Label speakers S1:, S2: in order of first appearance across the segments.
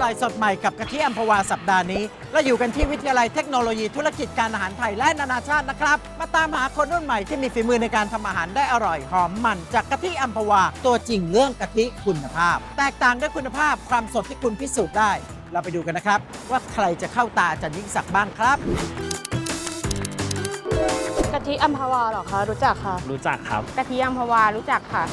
S1: ร่อยสดใหม่กับกะทิอัมพวาสัปดาห์นี้เราอยู่กันที่วิทยาลัยเทคโนโลยีธุรกิจการอาหารไทยและนานาชาตินะครับมาตามหาคนรุ่นใหม่ที่มีฝีมือในการทำอาหารได้อร่อยหอมมันจากกะทิอัมพวาตัวจริงเรื่องกะทิคุณภาพแตกต่างด้วยคุณภาพความสดที่คุณพิสูจน์ได้เราไปดูกันนะครับว่าใครจะเข้าตาอาจารย์ยิ่งศักดิ์บ้างครับ
S2: กะทิอัมพวาเหรอคะรู้จักค่ะ
S3: รู้จักครับ
S2: กะทิอัมพวารู้จักค่ะ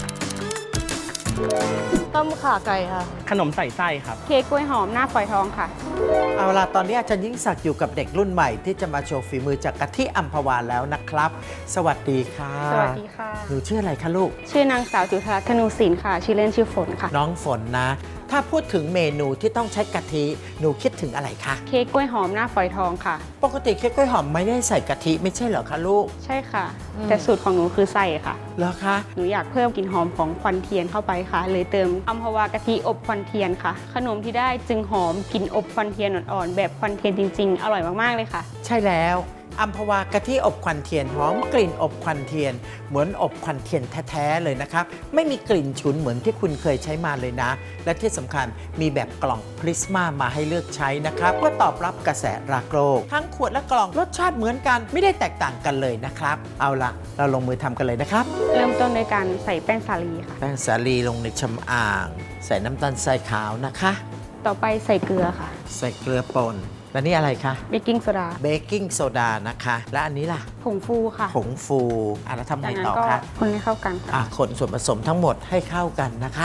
S2: ต้มข่าไก่ค่ะ
S3: ขนมใส่ไส้ครับ
S2: เค้กกล้วยหอมหน้าฝอยทองค่ะ
S1: เอาล่ะตอนนี้อาจารย์ยิ่งศักดิ์อยู่กับเด็กรุ่นใหม่ที่จะมาโชว์ฝีมือจากกะทิอัมพวาแล้วนะครับ สวัสดีค่ะ
S2: สวัสดีค่ะ
S1: หนูชื่ออะไรคะลูก
S2: ชื่อนางสาวจุฑารัตน์ธนูศิลป์ค่ะชื่อเล่นชื่อฝนค่ะ
S1: น้องฝนนะถ้าพูดถึงเมนูที่ต้องใช้กะทิหนูคิดถึงอะไรคะ
S2: เค้กกล้วยหอมหน้าฝอยทองค่ะ
S1: ปกติเค้กกล้วยหอมไม่ได้ใส่กะทิไม่ใช่เหรอคะลูก
S2: ใช่ค่ะแต่สูตรของหนูคือใส่ค่ะ
S1: เหรอคะ
S2: หนูอยากเพิ่มกลิ่นหอมของควันเทียนเข้าไปค่ะเลยเติมอัมพวากะทิอบควันเทียนค่ะขนมที่ได้จึงหอมกลิ่นอบควันเทียนอ่อนๆแบบควันเทียนจริงๆอร่อยมากๆเลยค่ะ
S1: ใช่แล้วอัมพวากะทิอบควันเทียนหอมกลิ่นอบควันเทียนเหมือนอบควันเทียนแท้ๆเลยนะครับไม่มีกลิ่นฉุนเหมือนที่คุณเคยใช้มาเลยนะและที่สำคัญมีแบบกล่องพริสมามาให้เลือกใช้นะครับเพื่อตอบรับกระแสรักโลกทั้งขวดและกล่องรสชาติเหมือนกันไม่ได้แตกต่างกันเลยนะครับเอาละเราลงมือทำกันเลยนะครับ
S2: เริ่มต้นด้วยการใส่แป้งสาลีค่ะ
S1: แป้งสาลีลงในชำอ่างใส่น้ำตาลทรายขาวนะคะ
S2: ต่อไปใส่เกลือค่ะ
S1: ใส่เกลือป่นและนี่อะไรคะ
S2: เบกกิ้งโซดา
S1: เบกกิ้งโซดานะคะและอันนี้ล่ะ
S2: ผงฟูค่ะ
S1: ผงฟูแล้วทำไงต่อคะ
S2: คนให้เข้ากันค่ะ
S1: คนส่วนผสมทั้งหมดให้เข้ากันนะคะ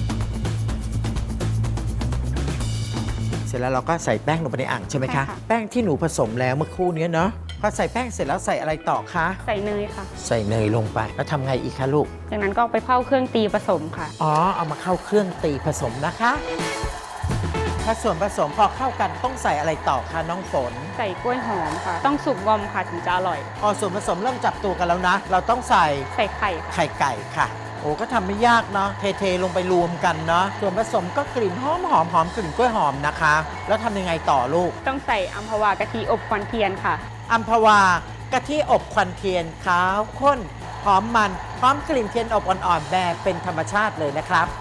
S1: เสร็จแล้วเราก็ใส่แป้งลงไปในอ่างใช่ไหมคะแป้งที่หนูผสมแล้วเมื่อครู่นี้เนาะพอใส่แป้งเสร็จแล้วใส่อะไรต่อคะ
S2: ใส่เนยค่ะ
S1: ใส่เนยลงไปแล้วทำไงอีกคะลูก
S2: จากนั้นก็ไปเข้าเครื่องตีผสมค่ะ
S1: เอามาเข้าเครื่องตีผสมนะคะถ้าส่วนผสมพอเข้ากันต้องใส่อะไรต่อคะน้องฝน
S2: ใส่กล้วยหอมค่ะต้องสุกงอมค่ะถึงจะอร่อย
S1: ส่วนผสมเริ่มจับตัวกันแล้วนะเราต้องใส่
S2: ไข่
S1: ไก่ค่ะก็ทำไม่ยากเนาะเทลงไปรวมกันเนาะส่วนผสมก็กลิ่นหอมกลิ่นกล้วยหอมนะคะแล้วทำยังไงต่อลูก
S2: ต้องใส่อัมพวากะทิอบควันเทียนค่ะ
S1: อัมพวากะทิอบควันเทียนขาวข้นหอมมันพร้อมกลิ่นเทียนอบอ่อนๆแบบเป็นธรรมชาติเลยนะครับ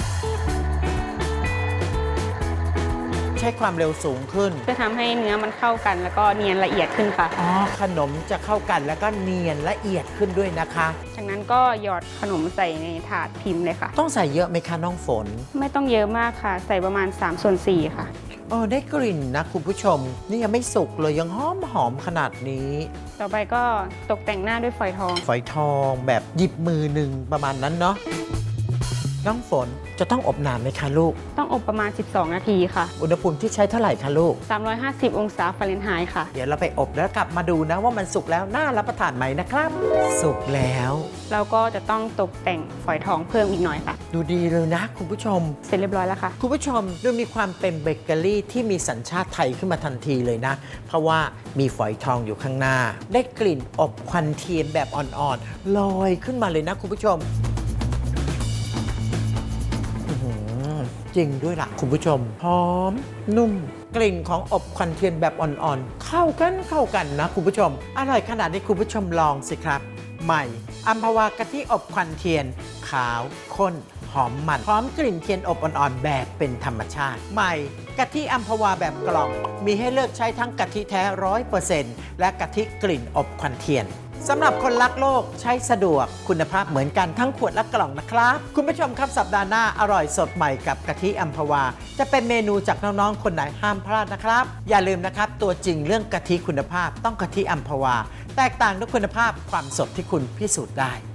S1: ใช้ความเร็วสูงขึ้น
S2: จะทำให้เนื้อมันเข้ากันแล้วก็เนียนละเอียดขึ้นค่ะ
S1: ขนมจะเข้ากันแล้วก็เนียนละเอียดขึ้นด้วยนะคะ
S2: จากนั้นก็หยอดขนมใส่ในถาดพิมพ์เลยค่ะ
S1: ต้องใส่เยอะไหมคะน้องฝน
S2: ไม่ต้องเยอะมากค่ะใส่ประมาณ3/4ค่ะ
S1: ได้กลิ่นนะคุณผู้ชมนี่ยังไม่สุกเลยยังหอมขนาดนี้
S2: ต่อไปก็ตกแต่งหน้าด้วยฝอยท
S1: องแบบหยิบมือหนึ่งประมาณนั้นเนาะน้องฝนจะต้องอบนานไหมคะลูก
S2: ต้องอบประมาณ12 นาทีค่ะ
S1: อุณหภูมิที่ใช้เท่าไหร่คะลูก
S2: 350 องศาฟาเรนไฮต์ค่ะ
S1: เดี๋ยวเราไปอบแล้วกลับมาดูนะว่ามันสุกแล้วน่ารับประทานไหมนะครับสุกแล้ว
S2: เราก็จะต้องตกแต่งฝอยทองเพิ่มอีกหน่อยค่ะ
S1: ดูดีเลยนะคุณผู้ชม
S2: เสร็จเรียบร้อยแล้วค่ะ
S1: คุณผู้ชมดูมีความเป็นเบเกอรี่ที่มีสัญชาติไทยขึ้นมาทันทีเลยนะเพราะว่ามีฝอยทองอยู่ข้างหน้าได้กลิ่นอบควันเทียนแบบอ่อนๆลอยขึ้นมาเลยนะคุณผู้ชมจริงด้วยล่ะคุณผู้ชมหอมนุ่มกลิ่นของอบควันเทียนแบบอ่อนๆเข้ากันนะคุณผู้ชมอร่อยขนาดนี้คุณผู้ชมลองสิครับใหม่อัมพวากะทิอบควันเทียนขาวข้นหอมมันพร้อมกลิ่นเทียนอบอ่อนๆแบบเป็นธรรมชาติใหม่กะทิอัมพวาแบบกล่องมีให้เลือกใช้ทั้งกะทิแท้ 100% และกะทิกลิ่นอบควันเทียนสำหรับคนรักโลกใช้สะดวกคุณภาพเหมือนกันทั้งขวดและกล่องนะครับคุณผู้ชมครับสัปดาห์หน้าอร่อยสดใหม่กับกะทิอัมพวาจะเป็นเมนูจากน้องๆคนไหนห้ามพลาดนะครับอย่าลืมนะครับตัวจริงเรื่องกะทิคุณภาพต้องกะทิอัมพวาแตกต่างด้วยคุณภาพความสดที่คุณพิสูจน์ได้